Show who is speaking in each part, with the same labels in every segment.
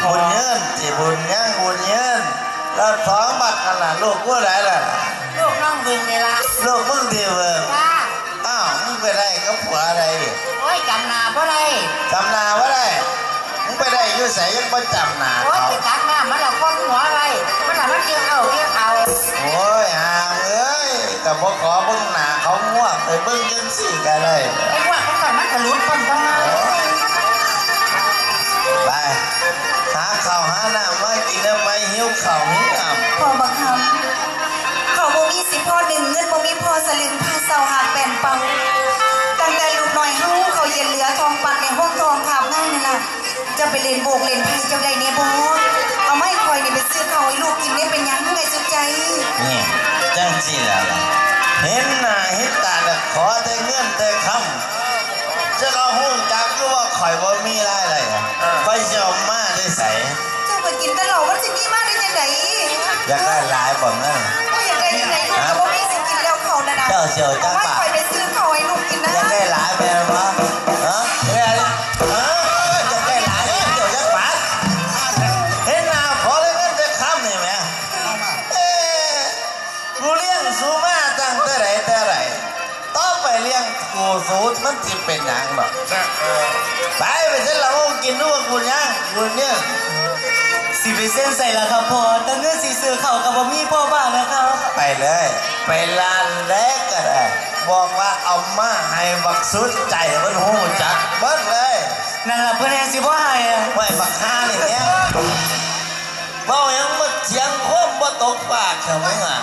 Speaker 1: บุญเยินสิบุญยังบุญเยินแล้วท้องบักกันล่ะลูกกูไหนล่ะ
Speaker 2: ลูกน้องบึงเลยล่ะ
Speaker 1: ลูกมึงดีเว้ยอ้าวมึงไปได้กับผัวอะไรดิ
Speaker 2: โอ้ยจำนาเพราะไร
Speaker 1: จำนาว่าได้มึงไปได้ยุ่ใส่ยังไม่จำนา
Speaker 2: โอ้ยไปตักน้ำมันละก้นหัวอะไรมันละมันเกี่ยวเอา
Speaker 1: โอ้ยห่างเอ้ยแต่พอขอเบิ้งหนาเขาง่วงไปเบิ้งยังสี่กันเลย
Speaker 2: ไอ้ว่าเขาก่อนมันจะลุ้นคนต้องมา
Speaker 1: ไปหาข้าวหาน้ำมากินแล้วไปหิวข้าวหิวน้ำ
Speaker 3: พอบังคับเขาบ่มีสิพ่อหนึ่งเงินบ่มีพ่อสลึงพาเสาหาแป่นเป่าตั้งแต่ลูกหน่อยเฮาเขาเย็นเหลือทองปัดในห้องทองขาบง่ายนี่ล่ะจะไปเล่นโบกเล่นไพ่เจ้าใดเนี่ยบ่เอาไม่คอยนี่ไปซื้อข้าวให้ลูกกินได้เป็นยังไงสุดใจ
Speaker 1: นี่จังสิแล้วเห็นหน้าเห็นตาแต่ขอแต่เงินแต่คำจะเอาหุ้นจักก็ว่าข่อยบ่มีรายได้ข่อยจะเอามาได้ใส่
Speaker 3: เจ้าไปกินตลอดมันจะมีมาได้ยังไง
Speaker 1: อยากได้หลายบ่นั่น
Speaker 3: อยากได้ยังไงลูกก็บ่มีสิกินแล้วเขานะ
Speaker 1: เจ้าเสียวจังป่ะ
Speaker 3: ไม่คอยไปซื้อข้าวให้ลูกกินนะ
Speaker 1: อยากได้หลายไปหรอฮะอยากได้หลายเดี๋ยวจะปัดเห็นหน้าขอเลยเงินแต่คำนี่แม่กูเลี้ยงสูมาตั้งแต่ไหนต่อไปเลี้ยงกูสูมันจะเป็นอย่างหรอกไปเส้นเรากินด้วยกูยังกูเนี่ย
Speaker 4: สิไปเส้นใส่ละครับพ่อแต่เนื้อสีเสือเข่ากับบ่มีพ่อบ้างนะครับ
Speaker 1: ไปเลยไปร้านแรกก็ได้บอกว่าเอามาให้บักสุดใจมันหูจักเบิดเลย
Speaker 4: นั่นแหละเพื่อนแอนสิบ่ให้
Speaker 1: ไว้บักฮานี่แม่เมายังมาเสียงโคมบ่ตกปากใช่ไหมอ่ะ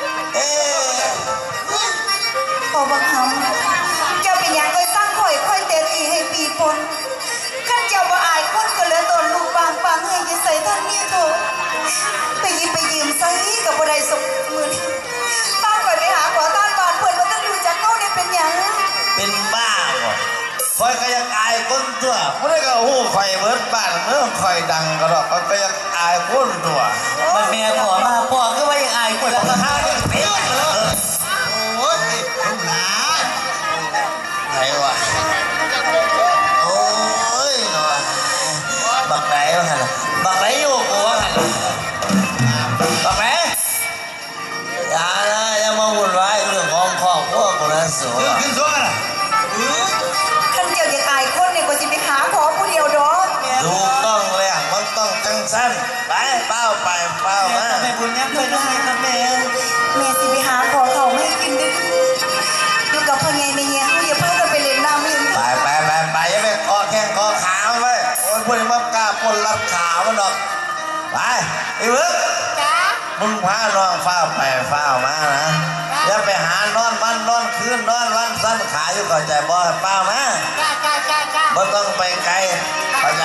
Speaker 3: พอบังคับเจ้าเป็นยังก็สร้างข่อยค่อยเตะตีให้ปีปนขั้นเจ้าบ่อายคนก็เหลือตนลูกบางปังให้ยิ่งใส่ท่านนี่โถไปยืมใส่กับบ่ได้สมมือป้าก่อนไปหาขอต้านบานเพื่อนว่าต้องดูจากเขาได้เป็นยัง
Speaker 1: เป็นบ้าบ่คอยก็ยังอายคนตัวไม่ได้ก็หูคอยเบิดบ้านเมื่อคอยดังก็หรอกคอยก็ยังอายคนตัว
Speaker 4: มันแม่ขอมาพ่อก็ว่ายังอายคนละข้าวเนี่ยเต็มเลย
Speaker 1: โอ้ยคุณหนาไหนวะโอ้ยหน่อยบักไหนวะฮะบักไหนอยู่กูวะฮะบักไหนอย่านะอย่ามาวุ่นวายเรื่องของครอบครัวกูนะสูง
Speaker 4: ขึ้นสูงกันนะ
Speaker 3: ขั้นเจ้าจะอายคนเนี่ยก็จะไปหาขอผู้เดียวดอก
Speaker 1: ถูกต้องเลยมันต้องจังสั้นไปเป้ามา
Speaker 4: แม่บุญยังเคยได้ครับแม่
Speaker 3: สิไปหาขอเขาไม่กินดึกอยู่กับพ่อไงไม่เงี้ยอย่าเพิ่งไปเล่นน้ำเลย
Speaker 1: ไปอย่าไปคอแข้งคอขาไปโอ้ยพวกนี้มันกล้าปนรัดขามันดอกไปไอ้เบิร์ดมึงพาน้องฟ้าไปฟ้ามานะอย่าไปหานอนวันนอนคืนนอนวันสั้นขาอยู่เข้าใจบ่เป้ามาบ่ต้องไปไกลเข้าใจ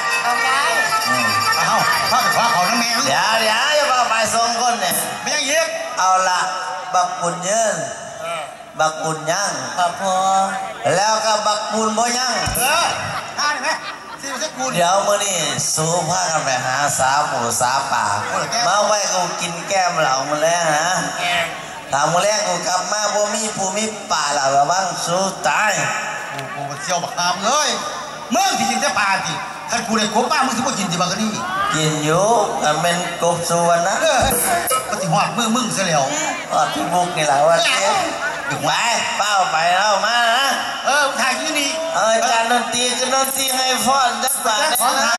Speaker 4: เอาพ่อไปขอเขาน้ำแมว
Speaker 1: เดี๋ยวอย่าไปส่งคนเนี่ย
Speaker 4: ไม่ยังเย็บ
Speaker 1: เอาละบักปุญเยินบักปุญยัง
Speaker 4: ครับพ่อ
Speaker 1: แล้วก็บักปุญบ่ยัง
Speaker 4: ท่าได้ไหม
Speaker 1: เดี๋ยวมื้อนี้สู้พากันไปหาสาหมูสาป่ามาไว้กูกินแก้มเหล่ามื้อแล้วนะถามมื้อแรกกูกลับมาบ่มีผู้มีป่าเหล่าระวังสู้ตาย
Speaker 4: กูเชี่ยวบักหามเลยเมื่อที่กินแต่ป่าที่ท่านกูได้กบป้ามึงสิบ่กินสิบักนี่
Speaker 1: กินอยู่แต่เป็นกบสุวรรณนะ
Speaker 4: ก็สิหอดมึงซะแล้ว
Speaker 1: หอดที่บุกนี่แหละว่าเจ๊ไปเป้าไปแล้วมานะ
Speaker 4: ถ่ายที่นี่
Speaker 1: จานดนตรีคือดนตรีให้ฟ้อนจักบาท